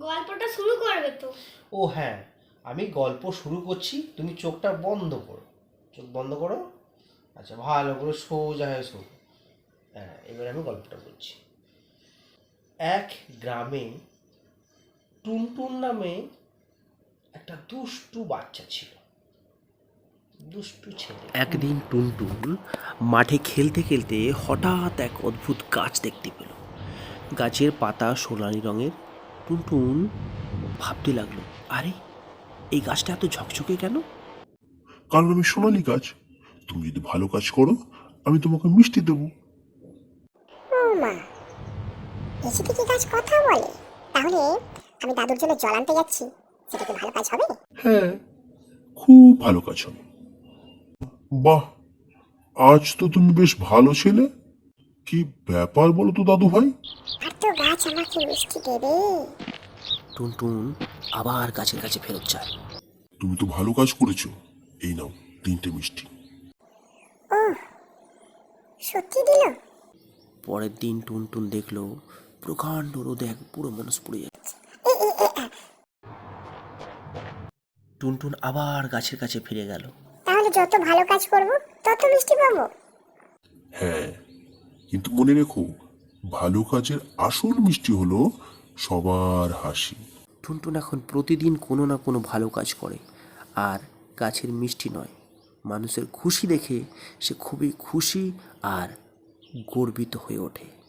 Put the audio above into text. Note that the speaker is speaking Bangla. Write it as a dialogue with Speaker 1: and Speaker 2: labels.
Speaker 1: গল্পটা শুরু করবে তো?
Speaker 2: ও হ্যাঁ, আমি গল্প শুরু করছি, তুমি চোখটা বন্ধ করো। চোখ বন্ধ করো। আচ্ছা, ভালো করে সোজা হয়ে শো। হ্যাঁ, এবার আমি গল্পটা বলছি। এক গ্রামে টুনটুন নামে একটা দুষ্টু বাচ্চা ছিল। দুষ্টু ছেলে। একদিন টুনটুন মাঠে খেলতে খেলতে হঠাৎ এক অদ্ভুত গাছ দেখতে পেল। গাছের পাতা সোনালি রঙের। টুনটুন ভাবতে লাগলো, আরে এই গাছটা এত ঝকঝকে কেন?
Speaker 3: কারণ আমি সোনালী গাছ। তুমি যদি ভালো কাজ করো, আমি তোমাকে মিষ্টি দেবো।
Speaker 4: ও মা, এসে থেকে গাছ কথা বলে? তাহলে আমি দাদুর জন্য জল আনতে যাচ্ছি, সেটা কি ভালো কাজ হবে?
Speaker 3: হ্যাঁ, খুব ভালো কাজ হবে। বাহ, আজ তো তুমি বেশ ভালো ছেলে। কি ব্যাপার বলো তো দাদু ভাই?
Speaker 4: আর তো গাছ আমাকে মিষ্টি দেবে।
Speaker 2: টুনটুন আবার গাছের কাছে ফেরত যায়।
Speaker 3: তুমি তো ভালো কাজ করেছো, এই নাও 3টে মিষ্টি।
Speaker 4: ও, সত্যি দিল?
Speaker 2: পরের দিন টুনটুন দেখলো প্রকাণ্ড রোদে এক পুরো মানুষ পুড়ে যাচ্ছে। টুনটুন আবার গাছের কাছে ফিরে গেল।
Speaker 4: তাহলে যত ভালো কাজ করব তত মিষ্টি পাবো?
Speaker 3: হ্যাঁ, কিন্তু মনে রেখো, ভালো কাজের আসল মিষ্টি হলো সবার হাসি।
Speaker 2: টুনটুন এখন প্রতিদিন কোনো না কোনো ভালো কাজ করে, আর গাছের মিষ্টি নয়, মানুষের খুশি দেখে সে খুবই খুশি আর গর্বিত হয়ে ওঠে।